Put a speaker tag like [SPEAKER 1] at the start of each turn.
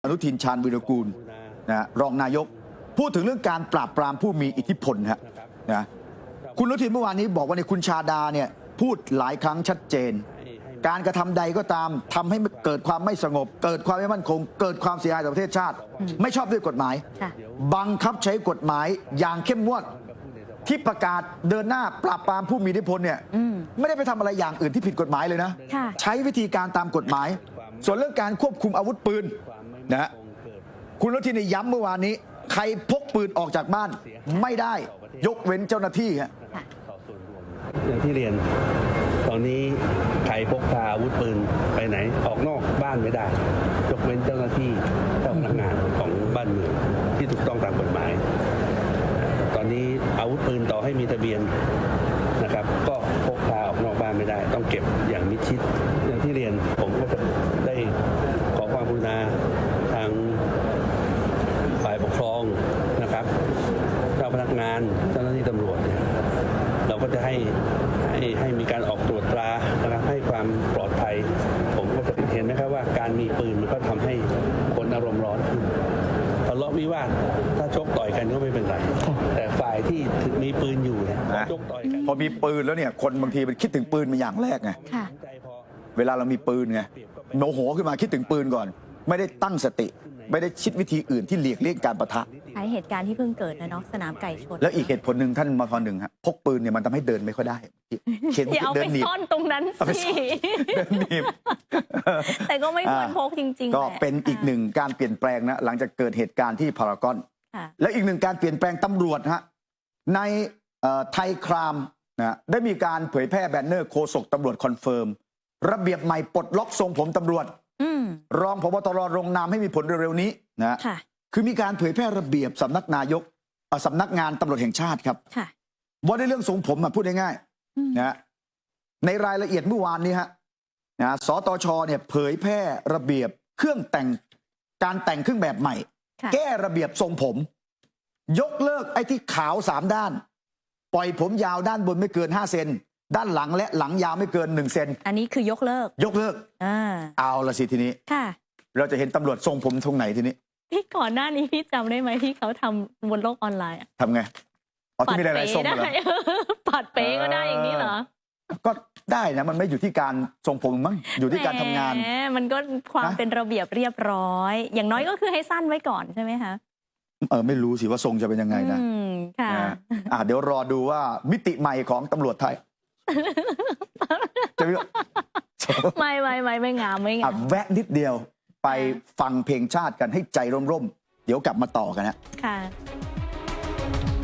[SPEAKER 1] อนุทินชาญวีรกูลนะรองนายกพูดถึงเรื่องการปราบปรามผู้มีอิทธิพลนะคุณอนุทินเมื่อวานนี้บอกว่าในคุณชาดาเนี่ยพูดหลายครั้งชัดเจนการกระทำใดก็ตามทำให้เกิดความไม่สงบเกิดความไม่มั่นคงเกิดความเสียหายต่อประเทศชาติไม่ชอบด้วยกฎหมายบังคับใช้กฎหมายอย่างเข้มงวดที่ประกาศเดินหน้าปราบปรามผู้มีอิทธิพลเนี่ยไม่ได้ไปทำอะไรอย่างอื่นที่ผิดกฎหมายเลยนะใช้วิธีการตามกฎหมายส่วนเรื่องการควบคุมอาวุธปืนนะคุณอนุทินย้ำเมื่อวานนี้ใครพกปืนออกจากบ้านไม่ได้ยกเว้นเจ้าหน้าที่ฮะ
[SPEAKER 2] อย่างที่เรียนตอนนี้ใครพกพาอาวุธปืนไปไหนออกนอกบ้านไม่ได้ยกเว้นเจ้าหน้าที่เจ้าพนักงานของบ้านเมืองที่ถูกต้องตามกฎหมายตอนนี้อาวุธปืนต่อให้มีทะเบียนนะครับก็พกพาออกนอกบ้านไม่ได้ต้องเก็บอย่างมิดชิดอย่างที่เรียนผมก็จะได้ขอความกรุณาทางฝ่ายปกครองนะครับเจ้าพนักงานเจ้าหน้าที่ตำรวจเนี่ยเราก็จะให้มีการออกตรวจตรานะครับให้ความปลอดภัยผมก็จะเห็นนะครับว่าการมีปืนมันก็ทำให้คนอารมณ์ร้อนขึ้นทะเลาะวิวาทถ้าชกต่อยกันก็ไม่เป็นไรแต่ฝ่ายที่มีปืนอยู่เนี่ยชกต่อยกัน
[SPEAKER 1] พอมีปืนแล้วเนี่ยคนบางทีมันคิดถึงปืนเป็นอย่างแรกไงเวลาเรามีปืนไงโมโหขึ้นมาคิดถึงปืนก่อนไม่ได้ตั้งสติไม่ได้คิดวิธีอื่นที่เลี่ยงการปะทะ
[SPEAKER 3] ใช้เหตุการณ์ที่เพิ่งเกิดนะเนาะสนามไก่ชน
[SPEAKER 1] แล้วอีกเหตุผลหนึ่งท่านมทหนึ่งฮะพกปืนเนี่ยมันทำให้เดินไม่ค่อยได้
[SPEAKER 3] อย่าเอาไปซ่อนตรงนั้นสิ
[SPEAKER 1] เดินหนีบ
[SPEAKER 3] แต่ก็ไม่ควรพกจริงๆ
[SPEAKER 1] ก็เป็นอีกหนึ่งการเปลี่ยนแปลงนะหลังจากเกิดเหตุการณ์ที่พารากอนและอีกหนึ่งการเปลี่ยนแปลงตำรวจฮะในไทยครามนะได้มีการเผยแพร่แบนเนอร์โฆษกตำรวจคอนเฟิร์มระเบียบใหม่ปลดล็อกทรงผมตำรวจรองผบตรลงนามให้มีผลเร็วๆนี้นะคือมีการเผยแพร่ระเบียบสำนักนายกสำนักงานตำรวจแห่งชาติครับว่าในเรื่องทรงผมพูดง่ายๆนะในรายละเอียดเมื่อวานนี้ฮะนะสตชเนี่ยเผยแพร่ระเบียบเครื่องแต่งการแต่งเครื่องแบบใหม่แก้ระเบียบทรงผมยกเลิกไอ้ที่ขาว3ด้านปล่อยผมยาวด้านบนไม่เกิน5 เซนด้านหลังและหลังยาวไม่เกิน1 เซน
[SPEAKER 3] อันนี้คือยกเลิก
[SPEAKER 1] เอาละสิทีนี้เราจะเห็นตำรวจทรงผมตรงไหนทีนี้
[SPEAKER 3] ที่ก่อนหน้านี้พี่จำได้ไหมที่เขาทำบนโลกออนไลน์
[SPEAKER 1] ทำไงที่มีหลายๆทรงเหรอ
[SPEAKER 3] ปัดเป๊ก็ได้อย่างนี้เหรอ
[SPEAKER 1] ก็ได้นะมันไม่อยู่ที่การทรงผมมั้งอยู่ที่การทำงาน
[SPEAKER 3] มันก็ความเป็นระเบียบเรียบร้อยอย่างน้อยก็คือให้สั้นไว้ก่อนใช่ไหมคะ
[SPEAKER 1] ไม่รู้สิว่าทรงจะเป็นยังไงนะเดี๋ยวรอดูว่ามิติใหม่ของตำรวจไทย
[SPEAKER 3] ไม่งาม
[SPEAKER 1] แวะนิดเดียวไปฟังเพลงชาติกันให้ใจร่มๆเดี๋ยวกลับมาต่อกันนะ
[SPEAKER 3] ค่ะ